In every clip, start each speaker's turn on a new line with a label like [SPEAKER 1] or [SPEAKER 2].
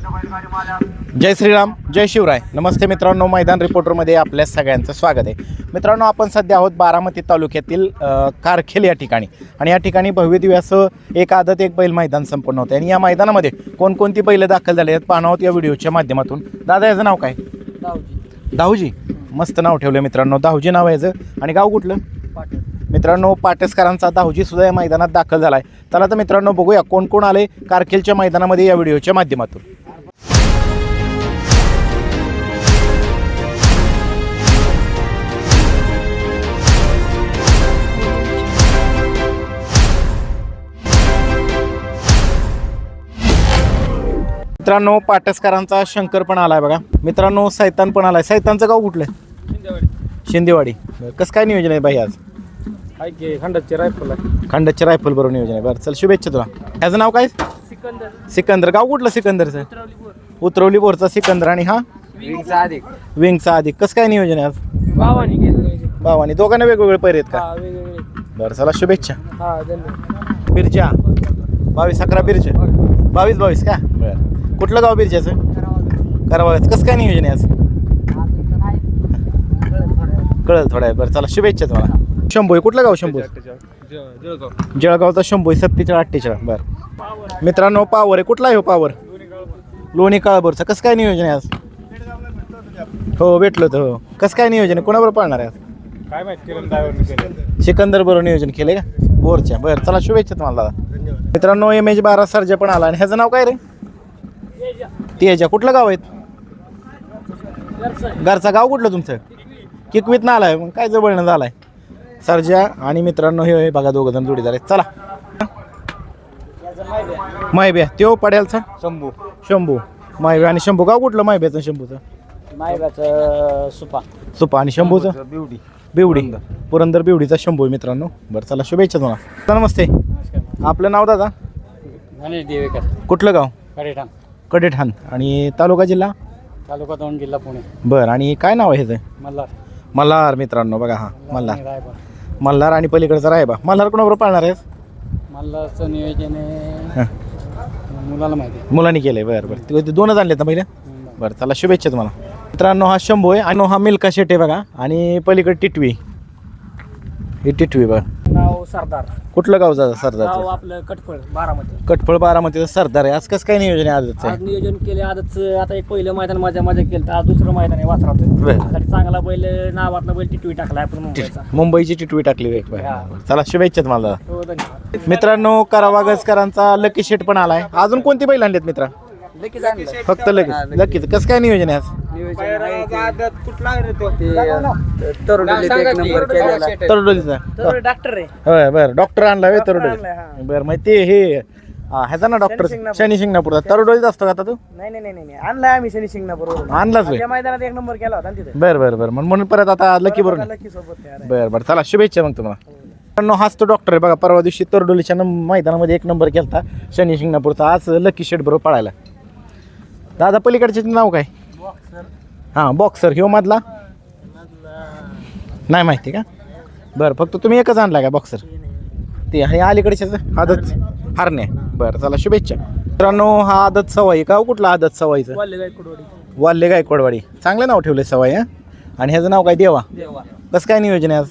[SPEAKER 1] जय श्रीराम, जय शिवराय. नमस्ते मित्रांनो, मैदान रिपोर्टरमध्ये आपल्या सगळ्यांचं स्वागत आहे. मित्रांनो, आपण सध्या आहोत बारामती तालुक्यातील कारखेल या ठिकाणी. आणि या ठिकाणी भव्य दिव्य असं एक आदत एक बैल मैदान संपन्न होतं. आणि या मैदानामध्ये कोणकोणती बैलं दाखल झाले आहेत पाहणार आहोत या व्हिडिओच्या माध्यमातून. दादा, याचं नाव काय? दाऊजी. मस्त नाव ठेवलं मित्रांनो, दाऊजी नाव याचं. आणि गाव कुठलं? मित्रांनो, पाटसकरांचा दाऊजी सुद्धा या मैदानात दाखल झाला आहे. चला तर मित्रांनो, बघूया कोण कोण आले कारखेलच्या मैदानामध्ये या व्हिडिओच्या माध्यमातून. मित्रांनो, पाटसकरांचा शंकर पण आलाय बघा. मित्रांनो, सैतान पण आलाय. सैतानचं गाव कुठलं? शिंदेवाडी. कसं काय नियोजन आहे बाई आज?
[SPEAKER 2] खंडाची रायफल आहे.
[SPEAKER 1] खंडाची रायफल बरोबर नियोजन आहे. बरं, चल शुभेच्छा तुला. याचं नाव काय? सिकंदर. गाव कुठलं सिकंदरचं? उतरवली बोरचा सिकंदर. आणि हा विंगचा अधिक. कसं काय नियोजन आहे आज? भावानी. दोघांना वेगवेगळे पैरे आहेत का? बरं, चला शुभेच्छा. बिरजा 22-11 बिरजा. 22 का? बरं. कुठलं गाव बिरजाचं? करावाचं. कसं काय नियोजन आहे आज? कळलं थोडं आहे. बरं, चला शुभेच्छा तुम्हाला. शंभू आहे. कुठलं गाव? शंभू जळगावचा शंभू आहे. 47-48. बरं मित्रांनो, पावर आहे. कुठला आहे हो पावर? लोणी काळभोरचा. कसं काय नियोजन आहे आज? हो, भेटलो तर. हो, कसं काय नियोजन आहे? कोणाबरोबर पाळणार आहे आज?
[SPEAKER 2] काय माहिती,
[SPEAKER 1] सिकंदर बरोबर नियोजन केले का बोरच्या? बरं, चला शुभेच्छा तुम्हाला दादा. मित्रांनो, MH12 सर्जा पण आला. आणि ह्याचं नाव काय रे? तेजा. कुठलं गाव आहे? घरचा. गाव कुठलं तुमचं? किकवीत ना आलाय. मग काय जवळनं झालाय सर्जा. आणि मित्रांनो, हे बघा दोघं जण जोडीदार आहेत. चला. मायब्या. त्यो पड्यालचा शंभू. मायब्या आणि शंभू. गाव कुठलं मायब्याचं शंभूचं? सुपा. आणि शंभूचं बिवडी. पुरंदर बिवडीचा शंभू मित्रांनो. बरं, चला शुभेच्छा तुम्हाला. नमस्ते. आपलं नाव दादा? कुठलं गाव? कडेठाण. आणि तालुका जिल्हा?
[SPEAKER 2] तालुका दौंड, जिल्हा पुणे.
[SPEAKER 1] बरं. आणि काय नाव आहे ह्याचं? मल्हार मित्रांनो. बघा, हा मल्हार. आणि पलीकडचा रायबा. मल्हार कोणाबरोबर पाळणार आहे?
[SPEAKER 2] मल्हारचं नियोजन आहे मुलाला माहिती आहे.
[SPEAKER 1] मुलांनी केलंय. बरं. ते दोनच आणले तर पहिले. बरं, चला शुभेच्छा तुम्हाला. मित्रांनो, हा शंभू आहे. आणि हा मिल्का शेट आहे बघा. आणि पलीकडे टिटवी. ही टिटवी बघा.
[SPEAKER 2] नाव सरदार.
[SPEAKER 1] कुठलं गाव जातं सरदार?
[SPEAKER 2] आपलं कटफळ बारामती.
[SPEAKER 1] कटफळ बारामतीचं सरदार आहे. आज कसं काय नियोजन आहे आजचं?
[SPEAKER 2] आज नियोजन केले आजच. आता एक पहिलं मैदान माझ्या केलं, आज दुसरं मैदान आहे वासराचं. चांगला बैल, नावातला बैल टिटवी टाकला आपण
[SPEAKER 1] मुंबईची टिटवी टाकली. चला शुभेच्छा तुम्हाला.
[SPEAKER 2] हो, धन्यवाद.
[SPEAKER 1] मित्रांनो, करावागजकरांचा लकी शेट पण आलाय. अजून कोणती बैल आणलेत मित्रा? फक्त लकीच. कसं काय नियोजन आहे आज? तरोडोलीचा.
[SPEAKER 2] डॉक्टर आहे.
[SPEAKER 1] होय, बरं. डॉक्टर आणला वे तरोडोली. बरं, मग ते हे ह्याचा ना डॉक्टर शनी शिंगणापूरचा. तरोडोलीत असतो का आता तू?
[SPEAKER 2] नाही आणलाय आम्ही शनी शिंगणापूर.
[SPEAKER 1] आणलाच वे.
[SPEAKER 2] मैदानात एक नंबर केला होता तिथे.
[SPEAKER 1] बरं. म्हणून परत आता लकी बरोबर. बरं, चला शुभेच्छा मग तुम्हाला. हाच तो डॉक्टर आहे बघा. परवा दिवशी तरोडोलीच्या मैदानामध्ये एक नंबर केला शनी शिंगणापूरचा. आज लकी शेट बरोबर पळायला. दादा, पलीकडचे नाव काय? हां, बॉक्सर. ह्यो मधला नाही माहिती का? बरं, फक्त तुम्ही एकच आणला का बॉक्सर? ते आणि अलीकडच्याच आदत हारणे. बरं, चला शुभेच्छा. मित्रांनो, हा आदत सवाई. गाव कुठला आदत सवाईचं? वाल्ले गायकवाडवाडी. चांगलं नाव ठेवलंय सवाई. हा. आणि ह्याचं नाव काय? देवा. कसं काय नियोजन आहे आज?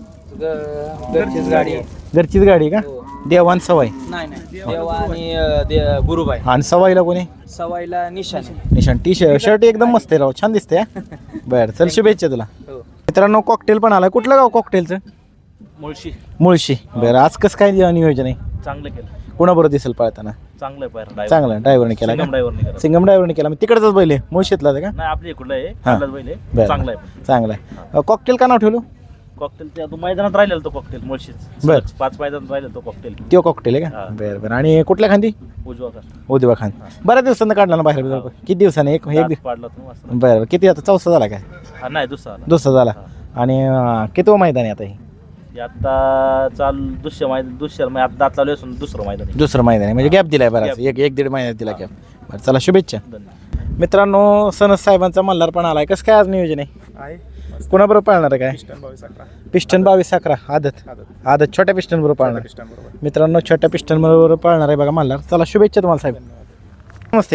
[SPEAKER 1] घरचीच गाडी का? देवान सवाई.
[SPEAKER 2] देवा आणि गुरुबाई.
[SPEAKER 1] आणि सवाईला कोणी?
[SPEAKER 2] सवाईला निशान.
[SPEAKER 1] शर्ट एकदम मस्त आहे राव, छान दिसते. बरं, चल शुभेच्छा तुला. मित्रांनो, कॉकटेल पण आला. कुठलं गाव कॉकटेलचं? मुळशी. बरं, आज कसं काय नियोजन आहे?
[SPEAKER 2] चांगलं केलं.
[SPEAKER 1] कोणाबरोबर दिसेल पळताना? चांगलं ड्रायव्हरने केला. सिंगम ड्रायव्हरने केला. मग तिकडचाच बैल आहे? मुळशीतला का?
[SPEAKER 2] आपल्या इकडलं
[SPEAKER 1] आहे. चांगला आहे. कॉकटेल का नाव ठेवलं?
[SPEAKER 2] कॉकटेल ते मैदानात राहिलेला तो कॉकटेल मुळशीच.
[SPEAKER 1] बरं,
[SPEAKER 2] 5 मैदानात राहिलेला तो कॉकटेल.
[SPEAKER 1] तो कॉकटेल आहे का? बरं. आणि कुठल्या खांदी? उजवा खान. बऱ्याच दिवसांना काढला ना बाहेर? किती दिवसाने? एक बरं. किती आता? 4सा झाला काय?
[SPEAKER 2] नाही,
[SPEAKER 1] दुसरा झाला. आणि किती मैदान आहे आता? हे
[SPEAKER 2] आता दुसरं आता दात लावले असून दुसरं मैदान
[SPEAKER 1] आहे. म्हणजे गॅप दिलाय बराच. 1-1.5 महिन्यात दिला गॅप. बरं, चला शुभेच्छा. मित्रांनो, सनस साहेबांचा मल्हार पण आलाय. कसं काय आज नियोजन आहे? कोणाबरोबर पाळणार आहे काय? पिस्टन 22-11 आदत छोट्या पिस्टन बरोबर पाळणार. मित्रांनो, छोट्या पिस्टन बरोबर पाळणार आहे बघा मल्हार. चला शुभेच्छा तुम्हाला साहेब. नमस्ते.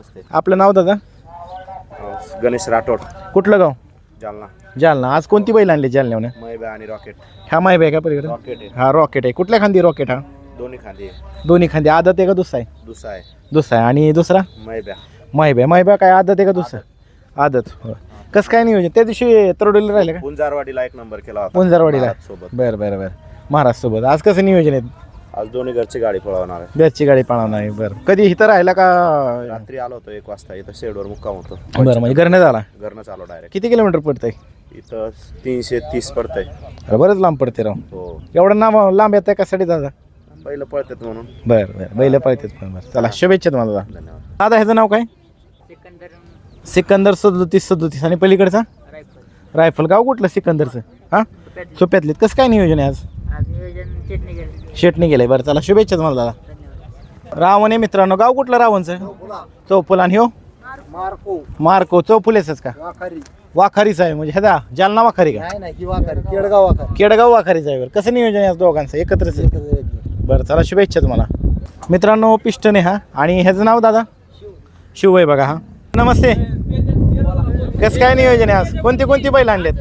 [SPEAKER 3] नमस्ते.
[SPEAKER 1] आपलं नाव दादा?
[SPEAKER 3] गणेश राठोड,
[SPEAKER 1] कुठलं गाव?
[SPEAKER 3] जालना.
[SPEAKER 1] जालना. आज कोणती बैल आणली जालन्यावनं?
[SPEAKER 3] मैबा आणि रॉकेट.
[SPEAKER 1] हा माहिती आहे का पलीकडे?
[SPEAKER 3] रॉकेट आहे,
[SPEAKER 1] हा रॉकेट आहे. कुठल्या खांदी रॉकेट हा?
[SPEAKER 3] दोन्ही खांदे.
[SPEAKER 1] दोन्ही खांदी. आदत आहे का दुसरा आहे?
[SPEAKER 3] दुसरा आहे
[SPEAKER 1] दुसरा आहे. आणि दुसरा
[SPEAKER 3] मैब्या.
[SPEAKER 1] माहिबा काय आदत आहे का दुसरा? आदत. हो. कसं काय नियोजन? त्या दिवशी तरोडीला राहिले का?
[SPEAKER 3] पुंजारवाडीला एक नंबर केला होता
[SPEAKER 1] पुंजारवाडीला
[SPEAKER 3] सोबत.
[SPEAKER 1] बरं महाराज सोबत. आज कसं नियोजन आहे?
[SPEAKER 3] आज दोन्ही घरची गाडी पळवणार आहे.
[SPEAKER 1] घरची गाडी पळवणार आहे. बरं कधी इथं राहिला का?
[SPEAKER 3] रात्री आलो होतो 1 वाजता, इथं शेडवर मुक्काम होतो.
[SPEAKER 1] बरं म्हणजे घरनं झाला.
[SPEAKER 3] घरनं चालू डायरेक्ट.
[SPEAKER 1] किती किलोमीटर पडतंय?
[SPEAKER 3] इथं 330 पडतंय.
[SPEAKER 1] अरे बरंच लांब पडते राव.
[SPEAKER 3] हो,
[SPEAKER 1] एवढं लांब येत आहे कशासाठी दादा?
[SPEAKER 3] पहिलं पळतात म्हणून.
[SPEAKER 1] बरं बैल पळतेच पण. बरं चला शुभेच्छा तुम्हाला दादा.
[SPEAKER 3] धन्यवाद.
[SPEAKER 1] दादा ह्याचं नाव काय? सिकंदर 37 आणि पलीकडचा रायफल. गाव कुठलं सिकंदरचं? हां सोप्यातले. कसं काय नियोजन आहे आज? शेटणी गेलंय. बरं चला शुभेच्छा तुम्हाला दादा. रावण आहे मित्रांनो. गाव कुठलं रावणचं? चौफुल. आणि हो मार्को चौफुलेच का? वाखारीचा आहे म्हणजे ह्याचा जालना वाखारी का? केडगाव वाखारीचा आहे. बरं कसं नियोजन आहे आज दोघांचं एकत्रच आहे? बरं चला शुभेच्छा तुम्हाला मित्रांनो. पिस्टन आहे हा. आणि ह्याचं नाव दादा? शिव आहे बघा. हा नमस्ते. कसं काय नियोजन आहे आज? कोणती बैल आणलेत?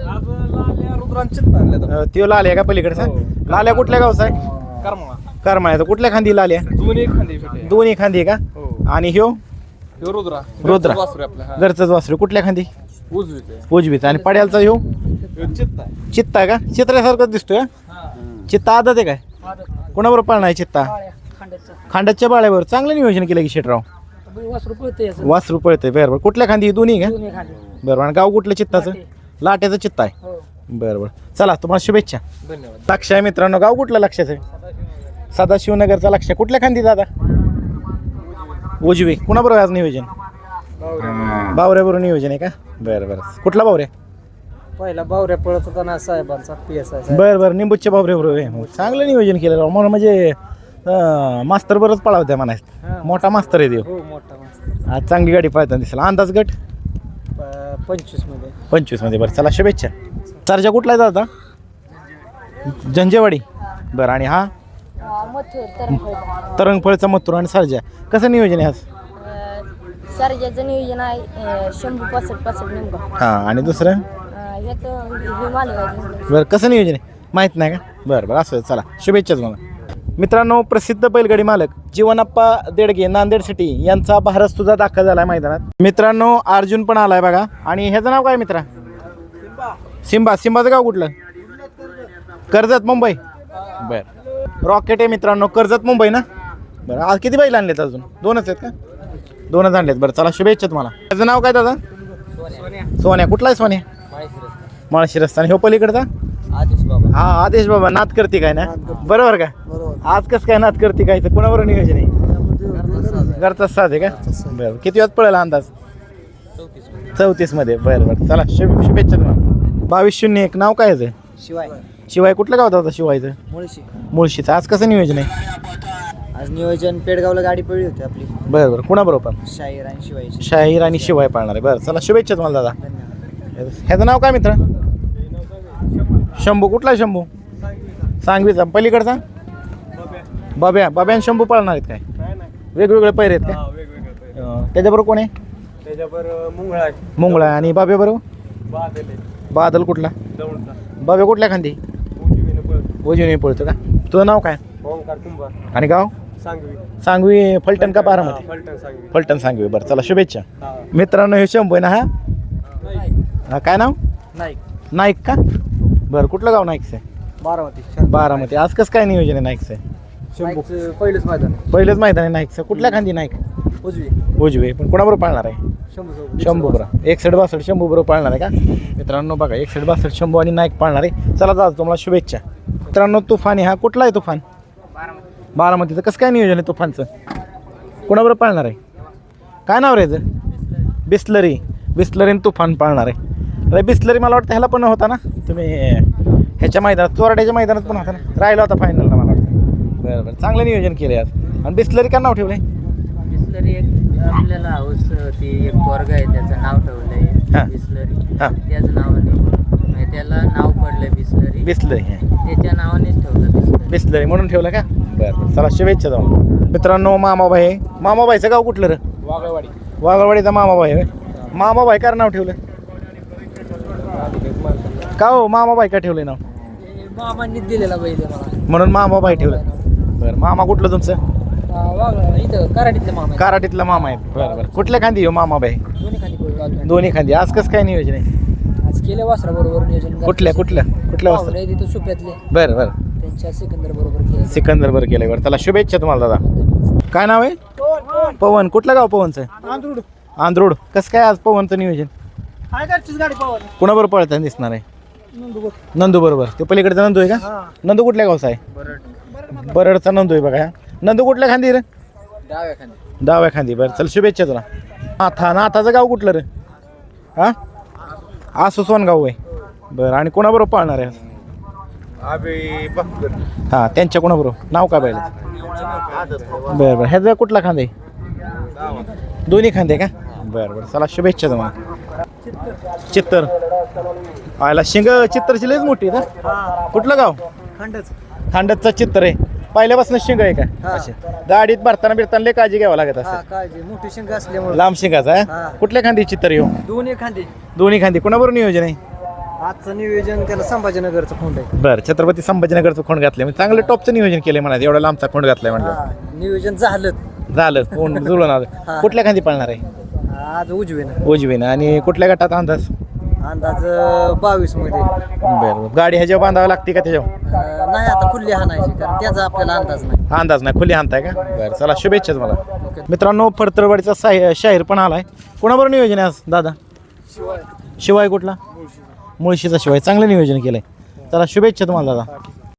[SPEAKER 1] त्यो लाल्या का पलीकडचा? लाल्या कुठल्या गावचा आहे? करमाळ्याचा. कुठल्या खांदी लाल्या? दोन्ही खांदी आहे का? आणि ह्यो रुद्रा घरचंच वासरू. कुठल्या खांदी? उजवीचा. आणि पड्यालचा ह्यो चित्ता आहे का? चित्रासारखंच दिसतोय. चित्ता आदत आहे काय? कोणाबरोबर पाळणार आहे चित्ता? खांडाच्या बाळ्यावर. चांगलं नियोजन केलं की शेटराव. वासरू पळतंय. बरोबर. कुठल्या खांदी? दोन्ही का? बरोबर. आणि गाव कुठलं चित्ताचं? लाट्याचं चित्ता आहे. बरोबर चला तुम्हाला शुभेच्छा.
[SPEAKER 2] धन्यवाद.
[SPEAKER 1] लक्ष आहे मित्रांनो. गाव कुठलं लक्षाचं आहे? सदाशिवनगरचा लक्ष. कुठल्या खांदी दादा? उजवी. कुणाबरोबर आज नियोजन? बावऱ्याबरोबर नियोजन आहे का? बरं कुठला बावऱ्या?
[SPEAKER 2] पहिला बावऱ्या पळत होता ना साहेबांचा PSI.
[SPEAKER 1] बरं निंबूच्या बावऱ्याबरोबर आहे. मग चांगलं नियोजन केलं राव. म्हणून म्हणजे मास्तर बरंच पळावत्या म्हणायचं. मोठा मास्तर आहे देव.
[SPEAKER 2] हो मोठा मस्त.
[SPEAKER 1] आज चांगली गाडी पळताना दिसला. अंदाज गट
[SPEAKER 2] 25
[SPEAKER 1] मध्ये. बरं चला शुभेच्छा. सरजा कुठला आहे दादा? जंजेवाडी. बरं. आणि हा तरंगफळचा मथुर आणि सरजा. कसं नियोजन आहे आज?
[SPEAKER 4] सरजाचं नियोजन आहे 100 नेमकं.
[SPEAKER 1] हां. आणि दुसरं? बरं कसं नियोजन आहे माहीत नाही का? बरं असं चला शुभेच्छा तुम्हाला मित्रांनो. प्रसिद्ध बैलगाडी मालक जीवनाप्पा देडगे नांदेड सिटी यांचा भारत सुद्धा दाखल झाला आहे मैदानात. मित्रांनो अर्जुन पण आलाय बघा. आणि ह्याचं नाव काय मित्रा? सिंबाचं गाव कुठलं? कर्जत मुंबई. बरं रॉकेट आहे मित्रांनो. कर्जत मुंबई ना? बरं आज किती बैल आणलेत? अजून 2च आहेत का? 2च आणलेत. बरं चला शुभेच्छा तुम्हाला. त्याचं नाव काय दादा? सोन्या. कुठला आहे सोन्या? माळशी रस्ता. आणि ह्यो पलीकडचा? हा आदेश बाबा. नाद करते काय ना? बरोबर का? आज कसं काय नाद करते काय? तर कोणाबरोबर नियोजन आहे? घरचा साज आहे का? बरं किती वेळात पळाला अंदाज? 34 मध्ये. बरं चला शुभेच्छा तुम्हाला. 2201. नाव काय आहे? शिवाय. कुठलं गाव होता शिवायचं? मुळशीचं. आज कसं नियोजन आहे?
[SPEAKER 2] आज नियोजन पेडगावला गाडी पडली होती आपली.
[SPEAKER 1] बरं कोणाबरोबर? शाहीर आणि शिवाय पाळणार आहे. बरं चला शुभेच्छा तुम्हाला दादा. ह्याचं नाव काय मित्र? शंभू. कुठला शंभू? सांगवीचा. पलीकडचा? बाब्या आणि शंभू पाळणार आहेत काय? वेगवेगळे पैरे आहेत का? त्याच्याबरोबर कोण आहे? मुंगळा. आणि बाब्या बरोबर? बादल. कुठला? बाब्या कुठल्या खांदी? उजवीने पळतो का? तुझं नाव काय? आणि गाव? सांगवी. फलटण का बारामती? फलटण सांगवी. बरं चला शुभेच्छा मित्रांनो. हे शंभू आहे ना? हा काय नाव? नाईक का? बरं कुठलं गाव नाईकचं आहे? बारामती. आज कसं काय नियोजन आहे नाईकचं? पहिलंच मैदान आहे नाईकचं. कुठल्या खांदी नाईक? उजवी. पण कोणाबरोबर पाळणार आहे? शंभू बरोबर. 61-62 शंभू बरोबर पाळणार आहे का मित्रांनो? बघा 61-62 शंभू आणि नाईक पाळणार आहे. चला दादा तुम्हाला शुभेच्छा मित्रांनो. तुफान आहे हा. कुठला आहे तुफान? बारामतीचं. कसं काय नियोजन आहे तुफानचं? कोणाबरोबर पाळणार आहे? काय नाव रे याचं? बिस्लरी आणि तुफान पाळणार आहे. अरे बिस्लरी मला वाटतं ह्याला पण होता ना तुम्ही ह्याच्या मैदानात? चोराड्याच्या मैदानात पण होता ना? राहिला होता फायनलला मला वाटतं. बरं चांगलं नियोजन केलं आज. आणि बिस्लरी का नाव ठेवलंय?
[SPEAKER 5] बिस्लरी एक आपल्याला हाऊस ती एक वर्ग आहे त्याचं नाव ठेवलंय बिस्लरी. त्याचं नावाने त्याला नाव पडलंय बिस्लरी. त्याच्या नावानेच ठेवलं
[SPEAKER 1] बिस्लरी म्हणून ठेवलं का? बरं चला शुभेच्छा जाऊ मित्रांनो. मामाबाईचं गाव कुठलं रे? वाघवाडीचा मामाबाई होय. मामाबाई का नाव ठेवलं का हो मामाबाई का ठेवलं नाव
[SPEAKER 2] मामांनी दिलेला बैल मला
[SPEAKER 1] म्हणून मामाबाई ठेवलं बरं मामा कुठलं तुमचं
[SPEAKER 2] इथं कराडीतले मामा
[SPEAKER 1] कराडीतला मामा आहे बरं बरं कुठल्या खांदी हो मामाबाई
[SPEAKER 2] दोन्ही खाली बैल
[SPEAKER 1] दोन्ही खांदी आज कसं काय नियोजन आहे
[SPEAKER 2] आज केले वासरा बरोबर नियोजन
[SPEAKER 1] कुठल्या वाजता
[SPEAKER 2] तिथं सुप्यातले
[SPEAKER 1] बरं बरं
[SPEAKER 2] त्यांच्या सिकंदर बरोबर केले
[SPEAKER 1] सिकंदर बरं केलंय बरं चला शुभेच्छा तुम्हाला दादा काय नाव आहे पवन कुठलं गाव पवनचं आंध्रोड कसं काय आज पवनचं नियोजन
[SPEAKER 2] गाडी पावर
[SPEAKER 1] कुणाबरोबर पळताना दिसणार आहे नंदू बरोबर ते पलीकडचा नंदू आहे का नंदू कुठल्या गावचा आहे बरडचा नंदू आहे बघा ह्या. नंदू कुठल्या खांदी रे
[SPEAKER 2] डाव्या खाली
[SPEAKER 1] डाव्या खांदी बरं चल शुभेच्छा तुला नाथाचं गाव कुठलं रे हा आसू सोनगाव आहे बरं आणि कोणाबरोबर पाळणार आहे हां त्यांच्या कोणाबरोबर नाव काय पाहिजे बरं बरं ह्याचा कुठला खांदे दोन्ही खांदे का बरं बरं चला शुभेच्छा तुम्हाला चित्तर आयला शिंग चित्तरची लयच मोठी आहे ना कुठलं गाव खांडतचा चित्तर आहे पहिल्यापासून शिंग आहे का अशी गाडीत भरताना बिरताना लय काळजी घ्यावं लागत असं
[SPEAKER 2] काळजी मोठी शिंग असल्यामुळे
[SPEAKER 1] लांब शिंगाचा आहे कुठल्या खांदी चित्तर येऊ दोन्ही खांदी कोणाबरोबर नियोजन आहे
[SPEAKER 2] आजचं नियोजन त्याला संभाजीनगरचं खोंड आहे
[SPEAKER 1] बरं छत्रपती संभाजीनगरचं खोंड घातलं म्हणजे चांगलं टॉपचं नियोजन केलंय म्हणा एवढा लांबचा खोंड घातलाय म्हणलं
[SPEAKER 2] नियोजन झालं
[SPEAKER 1] झालं कोण जुळून आलं कुठल्या खांदी पळणार आहे
[SPEAKER 2] आज उजवीनं
[SPEAKER 1] उजवीनं आणि कुठल्या गटात अंदाज
[SPEAKER 2] अंदाज 22 मध्ये
[SPEAKER 1] बरं गाडी ह्याच्यावर बांधावं लागते का त्याच्यावर
[SPEAKER 2] नाही आता खुल्ली हाणायची कारण त्याचा आपल्याला अंदाज नाही
[SPEAKER 1] अंदाज नाही खुली आणताय का बरं चला शुभेच्छा तुम्हाला मित्रांनो फडतरवाडीचा शाहीर पण आलाय कोणाबरोबर नियोजन आहे आज दादा शिवाय कुठला मुळशीचा शिवाय चांगलं नियोजन केलंय चला शुभेच्छा तुम्हाला दादा